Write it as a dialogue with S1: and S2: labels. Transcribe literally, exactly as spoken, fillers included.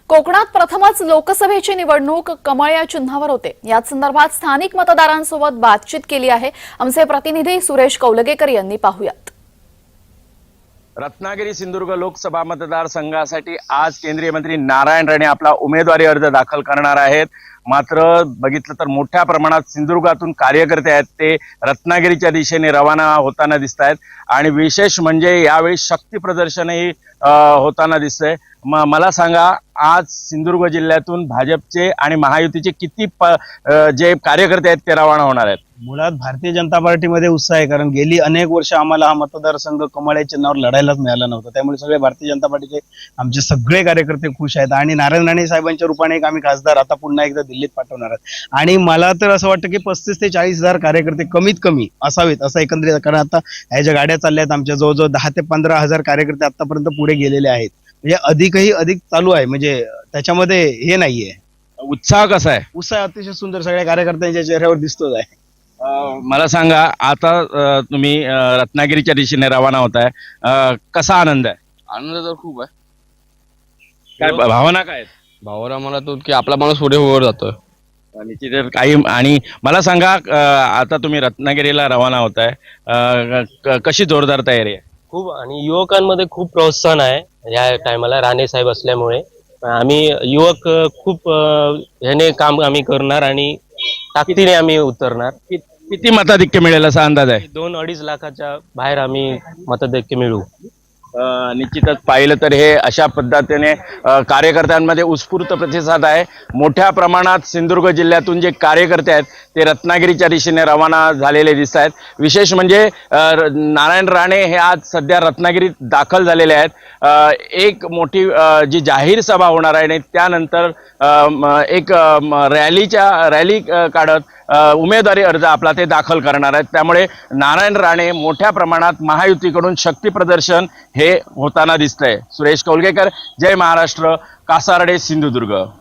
S1: कोकणात प्रथमच लोकसभेची निवडणूक कमळ या चिन्हावर होते। याच संदर्भात स्थानिक मतदारांसोबत बातचीत केली आहे। आमचे प्रतिनिधी सुरेश कौलगेकर यांनी पाहुयात।
S2: रत्नागिरी सिंधुदुर्ग लोकसभा मतदारसंघासाठी आज केंद्रीय मंत्री नारायण राणे आपला उमेदवारी अर्ज दाखल करणार आहेत। मात्र बघितलं तर मोठ्या प्रमाणात सिंधुदुर्गातून कार्यकर्ते आहेत ते रत्नागिरीच्या दिशेने रवाना होताना दिसत आहेत आणि विशेष म्हणजे यावेळी शक्ती प्रदर्शनही होताना दिसतंय। मला सांगा, आज सिंधुदुर्ग जिल्ह्यातून भाजपचे आणि महायुतीचे किती जे कार्यकर्ते आहेत ते रवाना होणार आहेत?
S3: मुळात भारतीय जनता पार्टीमध्ये उत्साह आहे, कारण गेली अनेक वर्ष आम्हाला हा मतदारसंघ कमळ या चिन्हावर लढायलाच मिळाला नव्हता। त्यामुळे सगळे भारतीय जनता पार्टीचे आमचे सगळे कार्यकर्ते खुश आहेत आणि नारायण राणे साहेबांच्या रूपाने एक आम्ही खासदार आता पुन्हा एकदा दिल्लीत पाठवणार आहोत। आणि मला तर असं वाटतं की पस्तीस ते चाळीस हजार कार्यकर्ते कमीत कमी असावेत असं एकंदरीत, कारण आता ह्या ज्या गाड्या चालल्या आहेत आमच्या जवळजवळ दहा ते पंधरा हजार कार्यकर्ते आतापर्यंत पुढे गेलेले आहेत। म्हणजे अधिकही अधिक चालू आहे, म्हणजे त्याच्यामध्ये हे नाहीये।
S2: उत्साह कसा आहे?
S3: उत्साह अतिशय सुंदर सगळ्या कार्यकर्त्यांच्या चेहऱ्यावर दिसतोच आहे।
S2: मला सांगा, आता तुम्ही रत्नागिरीच्या दिशेने रवाना होताय, कसा आनंद आहे?
S4: आनंद तर खूप आहे।
S2: काय भावना काय आहेत?
S4: भावना मला तो की आपला माणूस पुढे वर जातोय
S2: निश्चितच काही। आणि मला सांगा, आता तुम्ही रत्नागिरीला रवाना होताय, कशी जोरदार तयारी आहे?
S5: खूप, आणि युवकांमध्ये खूप प्रोत्साहन आहे या टायमाला राणे साहेब असल्यामुळे। आम्ही युवक खूप ह्याने काम आम्ही करणार आणि ताकदीने आम्ही उतरणार।
S2: किती मताधिक्य मिळेल असा अंदाज आहे?
S5: दोन अडीच लाखाच्या बाहेर आम्ही मताधिक्य मिळवू।
S2: निश्चितच पाहिलं तर हे अशा पद्धतीने कार्यकर्त्यांमध्ये उत्स्फूर्त प्रतिसाद आहे। मोठ्या प्रमाणात सिंधुदुर्ग जिल्ह्यातून जे कार्यकर्ते आहेत ते रत्नागिरीच्या दिशेने रवाना झालेले दिसत आहेत। विशेष म्हणजे नारायण राणे हे आज सध्या रत्नागिरीत दाखल झालेले आहेत। एक मोठी जी जाहीर सभा होणार आहे आणि त्यानंतर एक रॅलीच्या रॅली काढत उमेदवारी अर्ज आपला ते दाखल करणार आहेत। त्यामुळे नारायण राणे मोठ्या प्रमाणात महायुतीकडून शक्ती प्रदर्शन हे होताना दिसतंय। सुरेश कौलगेकर, जय महाराष्ट्र, कासारडे, सिंधुदुर्ग।